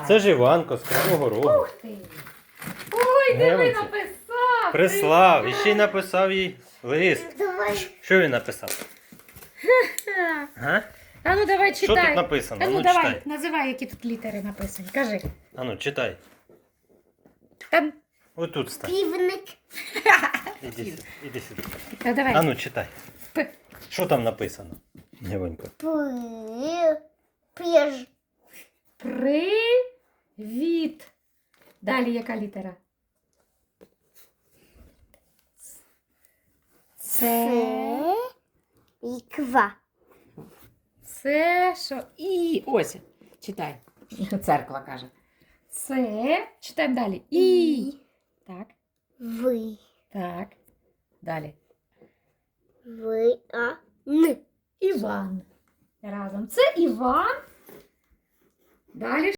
Це ж Іванко з Кривого Рогу. Ух ти! Ой, диви, Дивіться. написав! Прислав. І ще й написав їй лист. Давай. Що він написав? Га? А ну давай Що читай. тут написано? А ну Ну, давай, читай. називай, які тут літери написані. Кажи. А ну, читай. Та, Отут стань. Півник. Іди сюди. та давай. А ну, читай. П. Що там написано? Іванко. Піж. Привіт. Далі яка літера? Це. Іква. Це що? І. Ось. Читай. Церква каже. Це. Читаємо далі. І. Так. Ви. Так. Далі. Ви. Н. Іван. Разом. Це Іван. Далі